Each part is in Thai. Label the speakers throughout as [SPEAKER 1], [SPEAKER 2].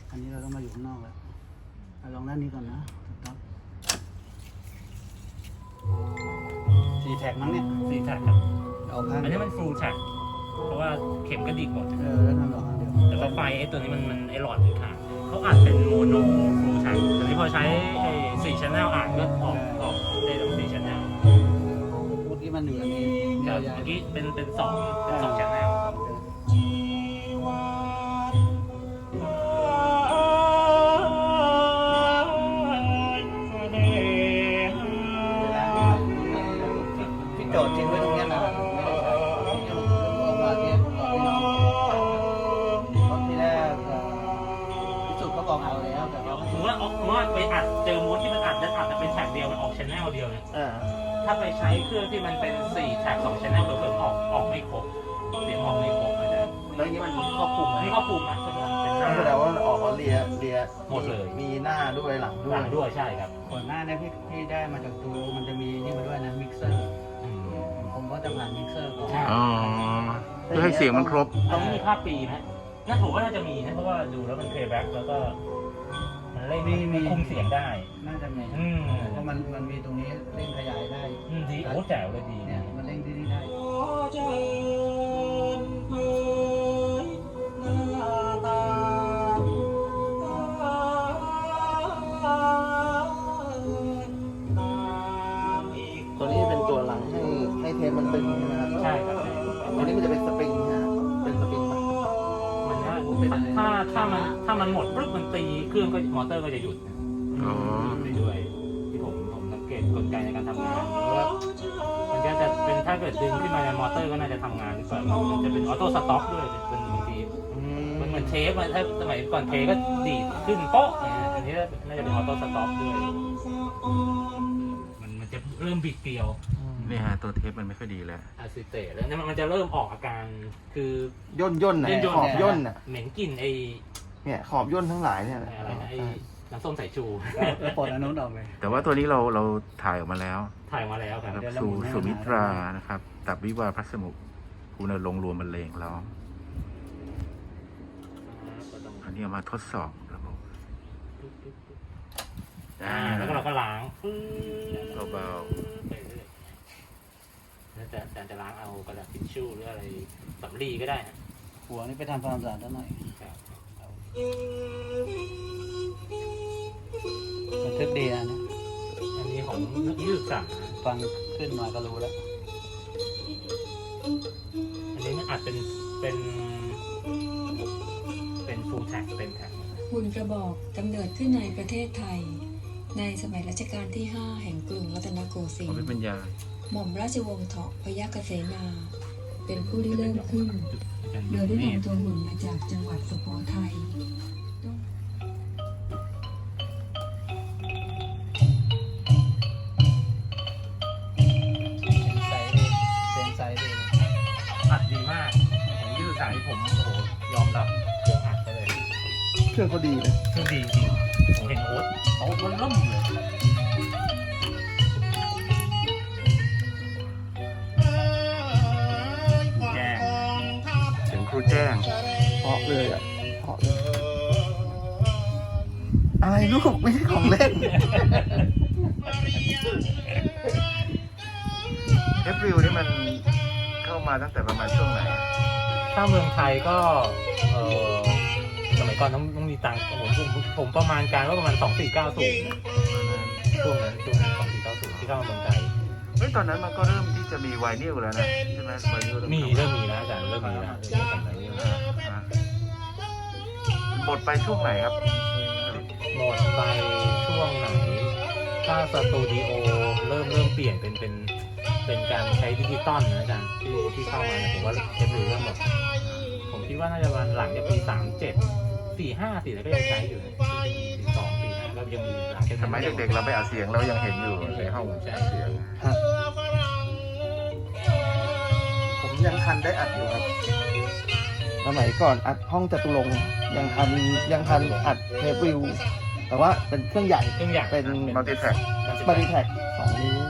[SPEAKER 1] อันนี้เราต้องมาอยู่ข้างนอกแล้วลองด้านนี้ก่อนนะครับ4 แท็กมั้งเนี่ย
[SPEAKER 2] 4 แท็กครับ
[SPEAKER 1] เอาข้าง
[SPEAKER 2] อันนี้มันฟูลแท็กเพราะว่าเข็มก็ดีหมด
[SPEAKER 1] แล้วทำออกข้างเดียว
[SPEAKER 2] แต่ว่าไฟไอ้ตัวนี้มันไอ้หลอดมันขาดเขาอัดเป็นโมโนฟูลแท็กแต่นี่พอใช้ไอ้4 channel อัดก็ออกได้ทั้ง4 channel
[SPEAKER 1] เมื่อกี้มันอยู่อย่างนี้
[SPEAKER 2] แต่
[SPEAKER 1] ยาว
[SPEAKER 2] เมื่อกี้เป็น2 channel
[SPEAKER 1] พี่โจทย์ทิ้งไว้ตรงนี้นะไม่ได้ใช้เอามาที่พี่น้องรถที่แรกพิสูจน์เขาบอกเอาแล้วแต่ว่า
[SPEAKER 2] สมมติว่าไปอัดเจอม้วนที่มันอัดแล้วอัดแต่เป็นแท็กเดียวมันออก channel เดียวเนี่ยถ้าไปใช้เครื่องที่มันเป็น4 แท็ก2 channel เพิ่มออกไม่ครบเสียงออกไม่ครบอาจารย์
[SPEAKER 3] แล้วนี้มันครอบคลุมไหม
[SPEAKER 2] นี่ก็ปรุงนะเป็นหน้า
[SPEAKER 3] แสดงว่ามันออกมาเลีย
[SPEAKER 2] หมดเลย
[SPEAKER 3] มีหน้าด้วยหลังด้ว
[SPEAKER 2] หลั
[SPEAKER 3] ย
[SPEAKER 2] งด้วยใช่ครับ
[SPEAKER 1] ก่อนหน้านี้พี่ได้มาจากตูมันจะมีนี่มาด้วยนะมิกเซอร์ผมก็จะผ่านมิกเซอร์ก่อน
[SPEAKER 4] อ๋อเพื่อให้เสียงมันครบ
[SPEAKER 2] ต้องมีค่าปีไหมน่าถูกว่าน่าจะมีนะเพราะว่าดูแล้วมันเพย์แบ็กแล้วก็มันเล่นมันคุมเสียงได้
[SPEAKER 1] น่าจะมีเพราะมันมีตรงนี้เร่งขยายได้
[SPEAKER 2] ดีโอ้แจ๋วเลยดี
[SPEAKER 1] เนี่ยมันเร่งที่นี่ได้
[SPEAKER 3] ตัวนี้เป็นตัวหลังให้เทปมันตึงใช่ไหมครับ
[SPEAKER 2] ใช่ครับ
[SPEAKER 3] ตัวนี้มันจะเป็นสปริงนะเป็นสปริงปะ
[SPEAKER 2] มันถ้ามันหมดปุ๊บมันตีเครื่องก็มอเตอร์ก็จะหยุด
[SPEAKER 4] อ๋อ
[SPEAKER 2] ไปด้วยที่ผมสังเกตกลไกในการทำงานเพราะว่ามันจะเป็นถ้าเกิดดึงขึ้นมาในมอเตอร์ก็น่าจะทำงานดีกว่ามันจะเป็นออโต้สต็อปด้วยเป็นบางทีมันเหมือนเทปถ้าสมัยก่อนเทก็ดีดขึ้นโป๊ะอันนี้น่าจะเป็นออโต้สต็อปด้วยมันจะเริ่มบิดเกลียว
[SPEAKER 4] นี่ฮะตัวเทปมันไม่ค่อยดีแล้ว
[SPEAKER 2] อะซิเตตแล้วเนี่ยมันจะเริ่มออกอาการคือย่
[SPEAKER 3] นน่ะขอบย่นน่ะ
[SPEAKER 2] เหม็นกลิ่นไอ้
[SPEAKER 3] เนี่ยขอบย่นทั้งหลายเนี่ย
[SPEAKER 2] อะไรนะไอ้น้ำส้มสายชู
[SPEAKER 1] แล้วปลดอันนู้นออกเลย
[SPEAKER 4] แต่ว่าตัวนี้เราถ่ายออกมาแล้ว
[SPEAKER 2] ถ่ายมาแล้วครับ
[SPEAKER 4] นะครับสุมิตรานะครับตับวิวาพัสมุคุณลงรวมบรรเลงร้องอันนี้เอามาทดสอบระบบ
[SPEAKER 2] แล้วก็เราก็ล้าง
[SPEAKER 4] เบา
[SPEAKER 2] แล้วแต่จะล้างเอากระดาษทิชชู่หรืออะไรสำลีก็ได้ฮะ
[SPEAKER 1] หัวนี่ไปทำความสะอาดซะหน่อยบันทึกดีนะเนี่ย
[SPEAKER 2] อันนี้ของนักศึกษา
[SPEAKER 1] ฟังขึ้นมาก็รู้แล้ว
[SPEAKER 2] อันนี้มันอาจเป็นฟูลแท็กเป็นแท็ก
[SPEAKER 5] หุ่นกระบอกกำเนิดขึ้นในประเทศไทย ในสมัยรัชกาลที่ 5 แห่งกรุงรัตนโกสิ
[SPEAKER 4] ๆ
[SPEAKER 5] น
[SPEAKER 4] ผม
[SPEAKER 5] ท
[SPEAKER 4] เป็น
[SPEAKER 5] ร์
[SPEAKER 4] ปัญญา
[SPEAKER 5] หม่อมราชวงศ์เถาะพยัคฆเสนา เป็นผู้ที่เริ่มขึ้น โดยได้นำตัวหุ่นมาจากจังหวัดสุโขทัย
[SPEAKER 1] เซ็นไซด์ดี
[SPEAKER 2] อัดดีมากของนักศึกษาที่ผมโอ้โหยอมรับเครื่องอัดไปเลย
[SPEAKER 3] เครื่องเขาดีนะ
[SPEAKER 2] เครื่องดีจริงผมเห็นโอ๊ตมันล่มเลยแจ้ง
[SPEAKER 4] เสียงครูแจ้ง
[SPEAKER 3] เพาะเลยอ่ะเพาะเลยอะไรลูกไม่ใช่ของเล่น
[SPEAKER 4] เอฟริวนี่มันเข้ามาตั้งแต่ประมาณช่วงไหน
[SPEAKER 2] ถ้าเมืองไทยก็สมัยก่อนต้องมีตังค์ผมประมาณการว่าประมาณ 2490นะช่วงนั้น2490ที่เข้ามาเมืองไทย
[SPEAKER 4] เฮ้ยตอนนั้นมันก็เริ่มที่จะมีไวนิลแล้วนะใช่ไหมไวนิล
[SPEAKER 2] เริ่มมีแล้วอาจารย์เริ่มมีแล้ว
[SPEAKER 4] หมดไปช่วงไหนครับ
[SPEAKER 2] หมดไปช่วงไหนถ้าสตูดิโอเริ่มเปลี่ยนเป็นการใช้ดิจิตอลนะอาจารย์ที่เข้ามาเนี่ยผมว่าเทปเริ่มหมดผมคิดว่าน่าจะวันหลังจากปี37 45 4แล้วก็ยังใช้อยู่42 45ก็ยังมีหลังจาก
[SPEAKER 4] สมัยเด็กๆเราไปอัดเสียงเรายังเห็นอยู่ในห้อง
[SPEAKER 2] ใช่
[SPEAKER 4] เสียง
[SPEAKER 3] ผมยังทันได้อัดอยู่ครับสมัยก่อนอัดห้องจตุรงค์ยังทันอัดเทปวิว แต่ว่าเป็นเครื่องใหญ่
[SPEAKER 2] เครื่องใหญ่
[SPEAKER 3] เป็น
[SPEAKER 4] มัลติแทร็ก
[SPEAKER 3] บริแท็ก2 นิ้ว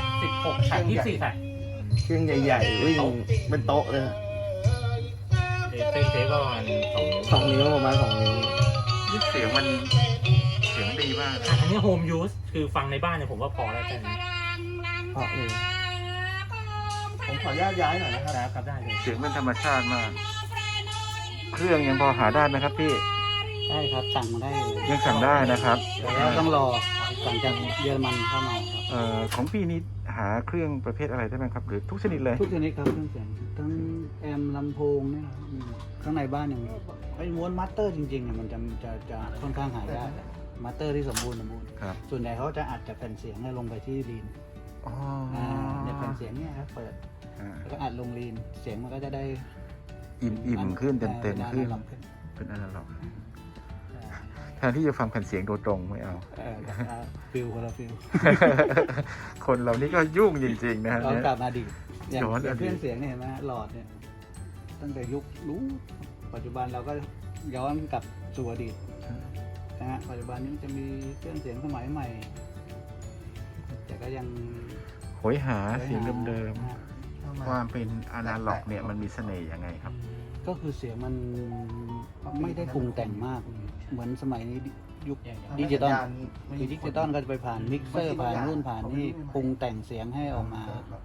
[SPEAKER 2] 16 แท็ก24 แท็ก
[SPEAKER 3] เครื่องใหญ่ๆวิ่งเป็นโต๊ะเลย
[SPEAKER 2] ยเส้นเทปก็ประมาณ2 นิ้ว
[SPEAKER 3] 2 นิ้วประมาณ2 นิ้ว
[SPEAKER 4] เสียงมันเสียงดีมากนะ
[SPEAKER 2] อันนี้โฮมยูสคือฟังในบ้านเนี่ยผมว่าพอแล้วแค่นี้
[SPEAKER 3] เพราะเลยผมขออนุญาตย้ายหน่อยนะครับ
[SPEAKER 2] ครับได้เลย
[SPEAKER 4] เสียงเป็นธรรมชาติมาก เครื่องยังพอหาได้ไหมครับพี่
[SPEAKER 1] ได้ครับสั่งมาได้เลย
[SPEAKER 4] ยังสั่งได้นะครับ
[SPEAKER 1] แต่ว่าต้องรอสั่งจากเยอรมันเข้ามาครับ
[SPEAKER 4] ของพี่นี่หาเครื่องประเภทอะไรได้ไหมครับ หรือทุกชนิดเลย
[SPEAKER 1] ทุกชนิดครับเครื่องเสียงทั้งแอมลำโพงเนี่ยครับมีข้างในบ้านอย่างไอ้ม้วนมาสเตอร์จริงๆเนี่ยมันจะค่อนข้างหายากมาสเตอร์ที่สมบูรณ์
[SPEAKER 4] ครับ
[SPEAKER 1] ส่วนใหญ่เขาจะอัดจากแผ่นเสียงเนี่ยลงไปที่ลีน
[SPEAKER 4] อ๋อ
[SPEAKER 1] เนี่ยแผ่นเสียงเนี่ยครับเปิด
[SPEAKER 4] อ่า
[SPEAKER 1] แล้วก็อัดลงลีนเสียงมันก็จะได้
[SPEAKER 4] อิ่มขึ้นเต็มขึ้น
[SPEAKER 1] ลำขึ้น
[SPEAKER 4] เป็นอนาล็อกแทนที่จะฟังแผ่นเสียงโดยตรงไม่เอา
[SPEAKER 1] ฟิลคนละฟิล
[SPEAKER 4] คนเรานี่ก็ยุ่งจริงๆนะฮะ
[SPEAKER 1] เรา
[SPEAKER 4] เนี่ย
[SPEAKER 1] กลับมาดีอย่าง
[SPEAKER 4] ย้อนอดีต
[SPEAKER 1] เครื่องเสียงเนี่ยเห็นไหมหลอดเนี่ยตั้งแต่ยุคนู้นปัจจุบันเราก็ย้อนกลับสู่อดีตนะฮะปัจจุบันนี้จะมีเครื่องเสียงสมัยใหม่ แต่ก็ยัง
[SPEAKER 4] โหยหาเสียงเดิม
[SPEAKER 1] นะฮะ
[SPEAKER 4] ๆความเป็นอนาล็อกเนี่ยมันมีเสน่ห์ยังไงครับ
[SPEAKER 1] ก็คือเสียงมันไม่ได้ปรุงแต่งมาก เหมือนสมัยนี้ยุคดิจิตอลคือดิจิตอลก็จะไปผ่านมิกเซอร์ผ่านนู่นผ่านนี่ปรุงแต่งเสียงให้ออกมา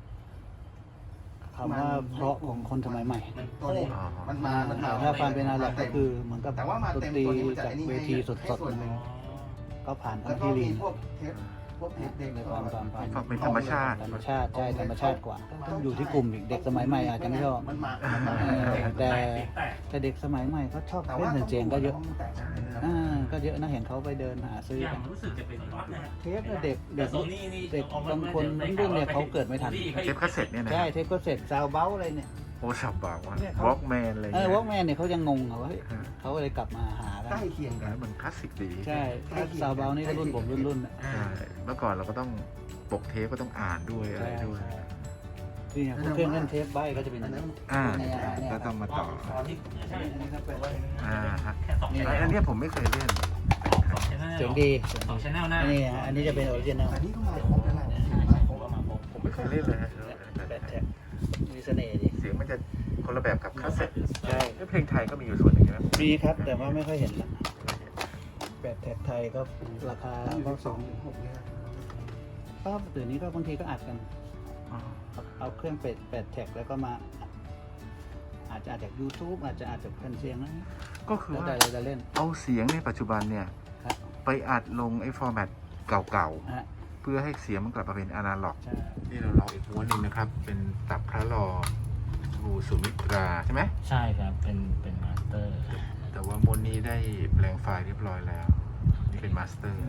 [SPEAKER 1] คำว่าเพราะของคนสมัยใหม่
[SPEAKER 3] ตัวนี้มันมา
[SPEAKER 1] ถ้าความเป็นอนาล็อกก็คือเหมือนกับ
[SPEAKER 3] แต่ว่ามา
[SPEAKER 1] ดน
[SPEAKER 3] เต็ม
[SPEAKER 1] ตรี
[SPEAKER 3] ตัวนี้มันจะ
[SPEAKER 1] จาก
[SPEAKER 3] ไอ้นี่
[SPEAKER 1] เวทีสดๆเลยก็ผ่าน
[SPEAKER 3] แล้ว
[SPEAKER 1] ทำ
[SPEAKER 3] ก็
[SPEAKER 1] ที่
[SPEAKER 3] มี
[SPEAKER 1] ลีน
[SPEAKER 3] พวกเทปเด็ก
[SPEAKER 1] ในความ
[SPEAKER 4] ฟังเป็นธรรมชาติ
[SPEAKER 1] ธรรมชาติใช่ธรรมชาติกว่าต้องอยู่ที่กลุ่มอีกเด็กสมัยใหม่อาจจะไม่ชอบ
[SPEAKER 3] มันมา
[SPEAKER 1] แต่เด็กสมัยใหม่ก็ชอบ
[SPEAKER 3] แต่
[SPEAKER 1] เล่
[SPEAKER 3] ว่าน
[SPEAKER 1] เสียงก็เยอะ
[SPEAKER 4] ใช่ครับ
[SPEAKER 1] ก็เยอะนะเห็นเขาไปเดินหาซื้อ
[SPEAKER 2] อย่า
[SPEAKER 1] กั
[SPEAKER 2] ง
[SPEAKER 1] น
[SPEAKER 2] รู้สึกจะเป็นก๊อตนะฮะ
[SPEAKER 1] เทปเนี่ยเด็ก
[SPEAKER 2] แต่โซนี่นี่
[SPEAKER 1] เด็กบางคนรุ่นเนี่ยเขาเกิดไม่ทัน
[SPEAKER 4] เทปคาสเซ็ตเนี่ยนะ
[SPEAKER 1] ใช่เทปก็เสร็จซาวเบ้าอะไรเนี่ย
[SPEAKER 4] โอ้สับบากว่า
[SPEAKER 1] เนี่ยเขา
[SPEAKER 4] วอล์กแมนอะไร
[SPEAKER 1] ว
[SPEAKER 4] เงี้
[SPEAKER 1] อล์กแมนเนี่ยเขายังงงอะว่าเฮ้ย
[SPEAKER 4] ฮะ
[SPEAKER 1] เขาก็เลยกลับมาหากัน
[SPEAKER 3] ใกล้เคียงกัน
[SPEAKER 4] มันคลาสสิกดี
[SPEAKER 1] ใช่ถ้าซาวเบ้านี่ก็รุ่นผมรุ่นๆอะ
[SPEAKER 4] ใช่เมื่อก่อนเราก็ต้องปกเทปก็ต้องอ่านด้วยอะไรด้วย
[SPEAKER 1] นี่เนี่ยเครื่องเล่นเทปใบก็จะเป็น
[SPEAKER 3] อันนั้น
[SPEAKER 4] ก็ต้องมาต่อ
[SPEAKER 2] ตอนที่ใช่อันนี้ก็เป็น
[SPEAKER 4] ฮะ
[SPEAKER 2] แค่2
[SPEAKER 4] อันเนี้ยผมไม่เคยเล่น
[SPEAKER 1] เสียงดี
[SPEAKER 2] 2 channel หน้า
[SPEAKER 1] นี่ฮะอันนี้จะเป็นออริจินัล
[SPEAKER 3] อันนี้ก็มาครบแล้วแหละ
[SPEAKER 2] ผมก็มาพบ
[SPEAKER 4] ผมไม่เคยเล่นเลยฮะ
[SPEAKER 1] แบตแท็กมีเสน่ห์ดี
[SPEAKER 4] เสียงมันจะคนละแบบกับคาสเซ็ต
[SPEAKER 1] ใช่
[SPEAKER 4] เพลงไทยก็มีอยู่ส่วนหนึ่งใช่ไหม
[SPEAKER 1] มีครับแต่ว่าไม่ค่อยเห็นละแบตแท็กไทยก็ราคาก็สอง
[SPEAKER 3] 6เนี่ย
[SPEAKER 1] ก็เดี๋ยวนี้ก็บางทีก็อัดกัน
[SPEAKER 4] อ๋อ
[SPEAKER 1] เอาเครื่องเป็ดแปดแท็กแล้วก็มาอาจจะอัดจาก YouTube อาจจะอัดจากแผ่นเสียงนะ
[SPEAKER 4] ก็คือ
[SPEAKER 1] แล้ว
[SPEAKER 4] ว่า
[SPEAKER 1] แต่เราจะเล่น
[SPEAKER 4] เอาเสียงในปัจจุบันเนี่ย
[SPEAKER 1] ครับ
[SPEAKER 4] ไปอัดลงไอ้ฟอร์แมตเก่า
[SPEAKER 1] ฮะ
[SPEAKER 4] ๆ เพื่อให้เสียงมันกลับมาเป็นอนาล็อก
[SPEAKER 1] ใช่
[SPEAKER 4] นี่เราลองอีกม้วนหนึ่งนะครับ เป็นตับพระลอบูสุมิตราใช่ไหม
[SPEAKER 2] ใช่ครับเป็นมาสเตอร์
[SPEAKER 4] แต่ว่าม้วนนี้ได้แปลงไฟล์เรียบร้อยแล้ว นี่เป็นมาสเตอร์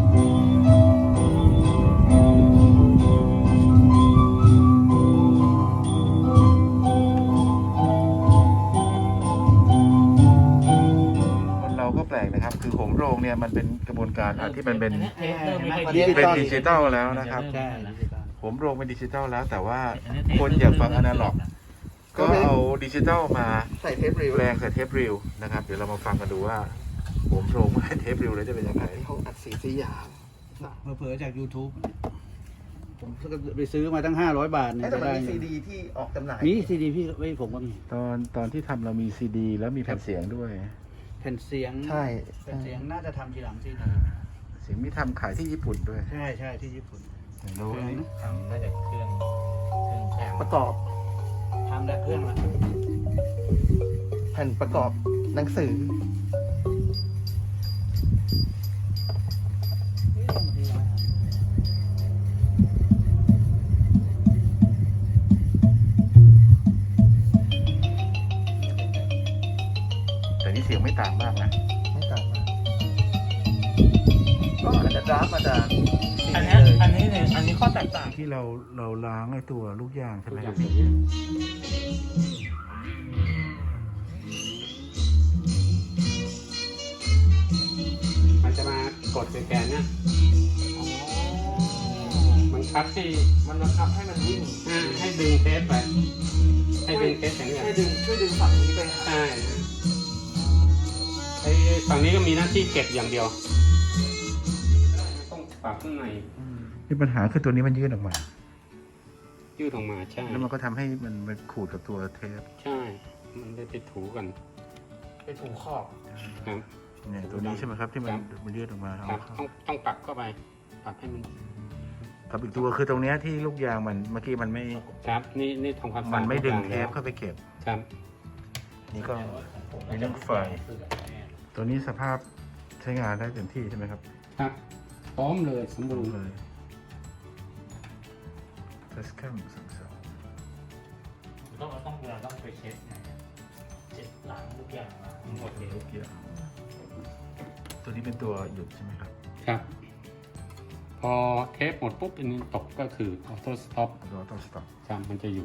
[SPEAKER 4] คนเราก็แปลกนะครับ คือโหมโรงเนี่ยมันเป็นกระบวนการที่มันเป็น เป็นดิจิตอลแล้วนะครับ
[SPEAKER 1] ใช่ดิจิตอล
[SPEAKER 4] โหมโรงเป็นดิจิตอลแล้ว แต่ว่าคนอยากฟังอนาล็อก ก็เอาดิจิตอลมา
[SPEAKER 3] ใส่เทปรีว
[SPEAKER 4] แปลงใส่เทปรีลนะครับ เดี๋ยวเรามาฟังกันดูว่าโหมโรงกับเทปรีลแล้วจะเป็นยังไง
[SPEAKER 3] ที่เขาอัดสีสยาม
[SPEAKER 1] เผลอๆจาก YouTube ผมไปซื้อมาตั้ง500 บาทเนี่ย
[SPEAKER 3] แต่มัน
[SPEAKER 1] ได้
[SPEAKER 3] มีซีดีที่ออกจำหน่าย
[SPEAKER 1] มีซีดีพี่ไว้ผมก็มี
[SPEAKER 4] ตอนที่ทำเรามีซีดีแล้วมีแผ่นเสียงด้วย
[SPEAKER 1] แผ่นเสียง
[SPEAKER 3] ใช่
[SPEAKER 1] แผ่นเสียงน่าจะทำทีหลังซีดี
[SPEAKER 4] เสียงมีทำขายที่ญี่ปุ่นด้วย
[SPEAKER 1] ใช่ใช่ที่ญี่ปุ่น
[SPEAKER 4] รู้
[SPEAKER 2] ทำได้จากเครื่องแคม
[SPEAKER 3] ประกอบ
[SPEAKER 1] ทำได้เครื่องละ
[SPEAKER 3] แผ่นประกอบหนังสือ
[SPEAKER 4] แต่นี่เสียงไม่ต่างมากนะ
[SPEAKER 3] ไม่ต่างมากก็อาจจะดราฟมาจาก
[SPEAKER 2] อันนี้เนี่ยอันนี้ข้อแตกต่าง
[SPEAKER 4] ที่เราล้างไอ้ตัวลูกยางใช่ไหมครับ
[SPEAKER 6] มันจะมากดสแกนเนี่ยมันคับให้
[SPEAKER 3] มันบังคับให้มันวิ่ง
[SPEAKER 6] ให้ดึงเทปไป ให้ดึงเทปอย่างเงี้ย
[SPEAKER 3] ให้ดึงช่วยดึงฝั่งนี้ไปหา
[SPEAKER 6] ใช่ไอ้ฝั่งนี้ก็มีหน้าที่เก็บอย่างเดียว ต้องปรับข้างใน
[SPEAKER 4] มีปัญหาคือตัวนี้มันยื่นออกมา
[SPEAKER 6] ยืดออกมาใช่
[SPEAKER 4] แล้วมันก็ทำให้มันขูดกับตัวเทป
[SPEAKER 6] ใช่มันได้ไปถูกัน
[SPEAKER 3] ไปถูขอบ
[SPEAKER 6] ครับ
[SPEAKER 4] เนี่ยตัวนี้ใช่ไหมครับที่มัน
[SPEAKER 6] ครับ
[SPEAKER 4] มันยืดออกมา
[SPEAKER 6] ครับ ต้องปักเข้าไปปักให้มัน
[SPEAKER 4] ครับอีกตัวคือตรงเนี้ยที่ลูกยางมันเมื่อกี้มันไม่
[SPEAKER 6] ครับนี่ทำความสะอาด
[SPEAKER 4] มันไม่ดึง
[SPEAKER 6] ทุก
[SPEAKER 4] เท
[SPEAKER 6] อย่า
[SPEAKER 4] ปเข้าไปเก็บ
[SPEAKER 6] ครับ
[SPEAKER 4] นี่ก็มีเรื่องไฟ ตัวนี้สภาพใช้งานได้เต็มที่ใช่ไหมครับ
[SPEAKER 6] ครับพร้อมเลยสมบูรณ์
[SPEAKER 4] เลยเฟสแคมสอง
[SPEAKER 2] ต้องไปเช็ดไงเช็ดหลังทุกอย่างมาหมดเลย
[SPEAKER 4] ลูกยางตัวนี้เป็นตัวหยุดใช่ไหมครับ
[SPEAKER 6] ครับ พอเทปหมดปุ๊บอันนี้ตกก็คือออโต้สต็อป
[SPEAKER 4] เราต้องสต็อป
[SPEAKER 6] ครับมันจะอยู่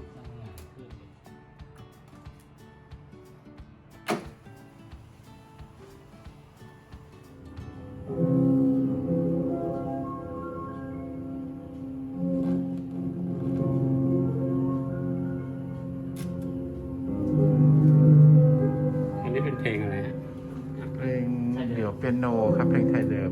[SPEAKER 6] อันนี้เป็นเพลงอะไรฮะ
[SPEAKER 4] เพลงเดี่ยวเปียโนครับเพลงไทยเดิม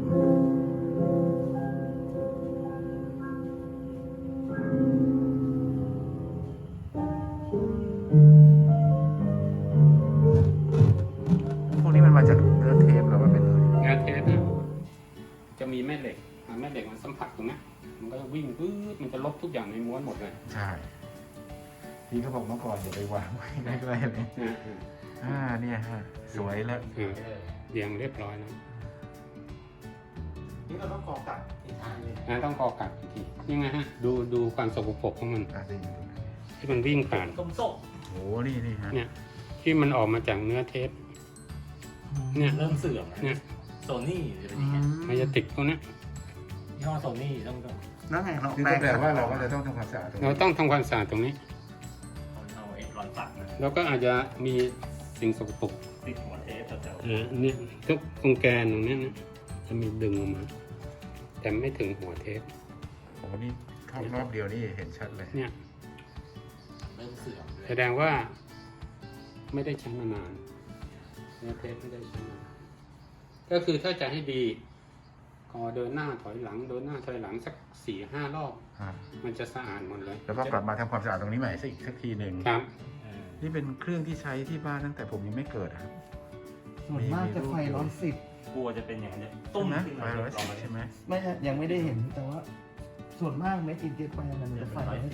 [SPEAKER 4] พวกนี้มันมาจากเนื้อเทปหรือว่าเป็นอะไร
[SPEAKER 6] งานเทปนะจะมีแม่เหล็กแม่เหล็กมันสัมผัสตรงเนี้ยมันก็วิ่งปื๊ดมันจะลบทุกอย่างในม้วนหมดเลย
[SPEAKER 4] ใช่พี่เขาบอกเมื่อก่อนอย่าไปวางไว้ใกล้ๆเลย เนี่ยฮะสวยแล้ว
[SPEAKER 6] เรียงเรียบร้อยแล้ว
[SPEAKER 3] นี่เราต้องกอกลับอีกทางเลย
[SPEAKER 6] ต้องกอกัดอีกทีนี่ไงฮะดูความสกปรกของมัน
[SPEAKER 4] ดี
[SPEAKER 6] ที่มันวิ่งผ่าน
[SPEAKER 2] ต้มส้ม
[SPEAKER 4] โอ้นี่ฮะ
[SPEAKER 6] เนี่ยที่มันออกมาจากเนื้อเทปเนี่ย
[SPEAKER 2] เริ่มเสื่อม
[SPEAKER 6] เนี่ย
[SPEAKER 2] โซนี่จะเป็นอย่างเงี้ย
[SPEAKER 6] มันจะติดตรงเนี้ย
[SPEAKER 2] ยี่ห้อโซนี่ต้อง
[SPEAKER 3] นั่นไงเรา
[SPEAKER 4] นี่ก็แปลว่าเราก็จะต้องทำความสะอาดตรง
[SPEAKER 6] เรา
[SPEAKER 4] นี้
[SPEAKER 6] ต้องทำความสะอาดตรงนี้
[SPEAKER 2] เอาเอ็ดร้อนตัดนะ
[SPEAKER 6] แล้วก็อาจจะมีสิ่งสกปรก
[SPEAKER 2] ติดหัวเทปแถว
[SPEAKER 6] เนี่ยทุกตรงแกนตรงเนี้ยนะจะมีดึงออกมา แต่ไม่ถึงหัวเทป
[SPEAKER 4] โอ้นี่เข้ารอบเดียวนี่เห็นชัดเลย
[SPEAKER 6] เนี่ย
[SPEAKER 2] เริ่มเสื่อม
[SPEAKER 6] แสดงว่าไม่ได้ใช้มานานเนื้อเทปไม่ได้ใช้มานานก็คือถ้าจะให้ดีก็เดินหน้าถอยหลังเดินหน้าถอยหลังสัก 4-5 รอบ มันจะสะอาดหมดเลย
[SPEAKER 4] แล้วก็กลับมาทำความสะอาดตรงนี้ใหม่สักทีหนึ่ง
[SPEAKER 6] ครับ
[SPEAKER 4] นี่เป็นเครื่องที่ใช้ที่บ้านตั้งแต่ผมยังไม่เกิดครับ
[SPEAKER 3] ส่วนมากจะไฟ110
[SPEAKER 2] กลัวจะเป็นอย่างนี้
[SPEAKER 4] ตุ้
[SPEAKER 2] ตุ้
[SPEAKER 4] ม
[SPEAKER 2] ม
[SPEAKER 4] นะ
[SPEAKER 2] ขึ้น
[SPEAKER 4] ไฟ
[SPEAKER 2] มา
[SPEAKER 4] ร้อยสิบใช่ไหม
[SPEAKER 3] ไม่ใช่ยังไม่ได้เห็นแต่ว่า ส่วนมากเม็ดอินเดียไปมันจะไฟ110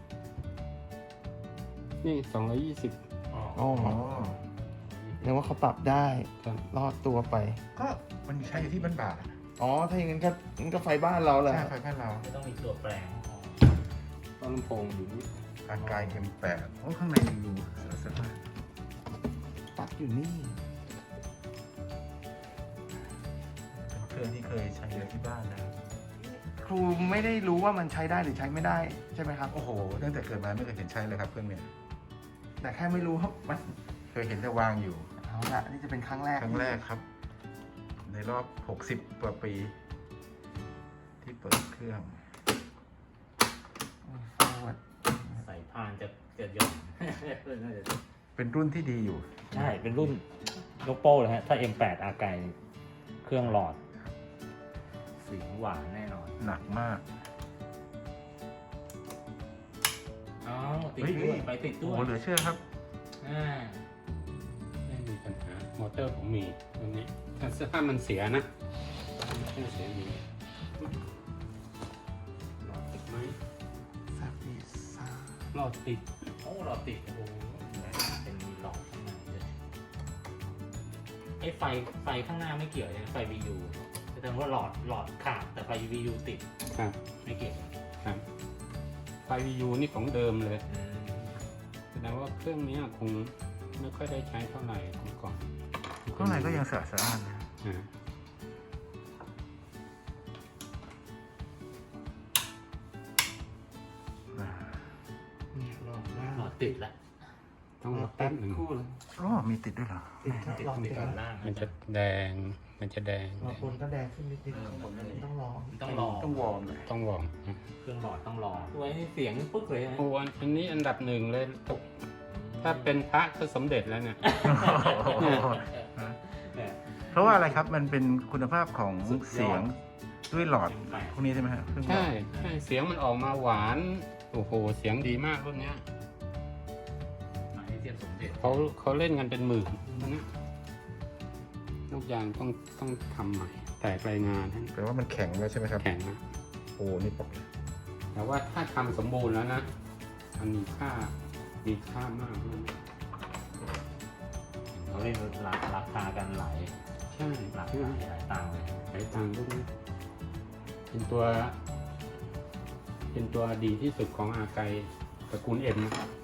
[SPEAKER 6] นี่220
[SPEAKER 2] อ๋อ
[SPEAKER 3] อ๋อแปลว่าเขาปรับได้
[SPEAKER 6] ครับ
[SPEAKER 3] รอดตัวไป
[SPEAKER 4] ก็มันใช้อยู่ที่บ้านบาทอะ
[SPEAKER 3] อ๋อ ถ้าอย่างนั้นก็ไฟบ้านเราแหละ
[SPEAKER 4] ใช่ไฟบ้านเรา
[SPEAKER 2] ไม่ต้องมีตัวแปลง
[SPEAKER 6] ต้นลำโพงอยู่นี่
[SPEAKER 4] อากาย M8 โอ้ข้างในยังดูสะอาด
[SPEAKER 3] ปลั๊กอยู่นี่
[SPEAKER 4] เป็นเครื่องที่เคยใช้เยอะที่บ้านนะ
[SPEAKER 3] ครูไม่ได้รู้ว่ามันใช้ได้หรือใช้ไม่ได้ใช่ไหมครับ
[SPEAKER 4] โอ้โหตั้งแต่เกิดมาไม่เคยเห็นใช้เลยครับเครื่องเนี้ย
[SPEAKER 3] แต่แค่ไม่รู้ว่ามัน
[SPEAKER 4] เคยเห็นแต่วางอยู่
[SPEAKER 3] เอาละนี่จะเป็นครั้งแรก
[SPEAKER 4] ครั้งแรกครับ ในรอบ60 กว่าปี ที่เปิดเครื่อง
[SPEAKER 3] forward
[SPEAKER 2] ใส่พานจะเยอะ
[SPEAKER 4] เป็นรุ่นที่ดีอยู่
[SPEAKER 2] ใช่ เป็นรุ่นยกโป้เลยฮะ ถ้า M8 อาไกเครื่องหลอดเสียงหวานแน่นอน
[SPEAKER 4] หนักมาก
[SPEAKER 2] อ๋อ ติดด้วยไปติด
[SPEAKER 4] โอ้
[SPEAKER 2] ด้ว
[SPEAKER 4] โห
[SPEAKER 2] ย
[SPEAKER 4] เหลือเชื่อครับ
[SPEAKER 6] ไม่มีปัญหามอเตอร์ผมมีตรงนี้ถ้ามันเสียนะถ้าเสียมีหลอดติดไหม
[SPEAKER 3] สับดีซ่า
[SPEAKER 6] หลอดติด
[SPEAKER 2] โอ้หลอดติด โอ้โหเป็นหลอดข้างในเลยไอ้ไฟข้างหน้าไม่เกี่ยวใช่ไหมไฟ VU แสดงว่าหลอดขาดแต่ไฟ VU ติด
[SPEAKER 6] ครับ
[SPEAKER 2] ไม่เกี่ยว
[SPEAKER 6] ครับไฟ VU นี่ของเดิมเลยแสดงว่าเครื่องนี้คงไม่ค่อยได้ใช้เท่าไหร่เมื่อก่อน
[SPEAKER 4] ข้างในก็ยังสะอาดนะ
[SPEAKER 6] อ่า
[SPEAKER 3] เนี่ยหลอดหน้า
[SPEAKER 2] หลอดติดแล้ว
[SPEAKER 6] ต้องรอแป๊บหนึ่ง
[SPEAKER 3] คู่เลย
[SPEAKER 4] อ๋อมีติดด้วยเหรอ
[SPEAKER 3] ติดครับ
[SPEAKER 2] ติด
[SPEAKER 3] หลอด
[SPEAKER 2] ติ
[SPEAKER 3] ติ
[SPEAKER 2] ด
[SPEAKER 3] ด
[SPEAKER 2] ด้านล่าง
[SPEAKER 6] มันจะแดง มันจะแดง
[SPEAKER 3] หลอดบนก็แดงขึ้นนิดต้องรอ
[SPEAKER 2] ต้องรอ
[SPEAKER 4] ต้องวอร์มเลย
[SPEAKER 6] ต้องวอร์ม
[SPEAKER 2] เครื่องหลอดต้องรอไว้เสียงปึ๊กเลยนะ
[SPEAKER 6] โอ้อันนี้อันดับหนึ่งเลย ถ้าเป็นพระก็สมเด็จแล้วเนี่ย
[SPEAKER 2] เนี่ย
[SPEAKER 4] เพราะว่าอะไรครับ มันเป็นคุณภาพของ
[SPEAKER 2] สุดยอด
[SPEAKER 4] เสียงด้วยหลอดพวกนี้ใช่ไหมฮะเครื่องหลอ
[SPEAKER 6] ใช่
[SPEAKER 4] ด
[SPEAKER 6] ใช่เสียงมันออกมาหวาน โอ้โห เสียงดีมากรุ่นเนี้ย
[SPEAKER 2] หมายเทียบสมเด็จ
[SPEAKER 6] เขาเล่นกันเป็นหมื่นนะลูกยางต้องทำใหม่ แตกรายงานทั้ง
[SPEAKER 4] แปลว่ามันแข็งแล้วใช่ไหมครับ
[SPEAKER 6] แข็งนะ
[SPEAKER 4] โอ้นี่ปก
[SPEAKER 6] แต่ว่าถ้าทำสมบูรณ์แล้วนะมันมีค่ามากเลย
[SPEAKER 2] เขาเล่นราคากันหลาย
[SPEAKER 6] ใช่
[SPEAKER 2] หลัก
[SPEAKER 6] ใช่ไหม
[SPEAKER 2] หลายตังค์เลย
[SPEAKER 6] หลายตังค์พวกนี้เป็นตัวดีที่สุดของอาไกตระกูลเอ็มนะ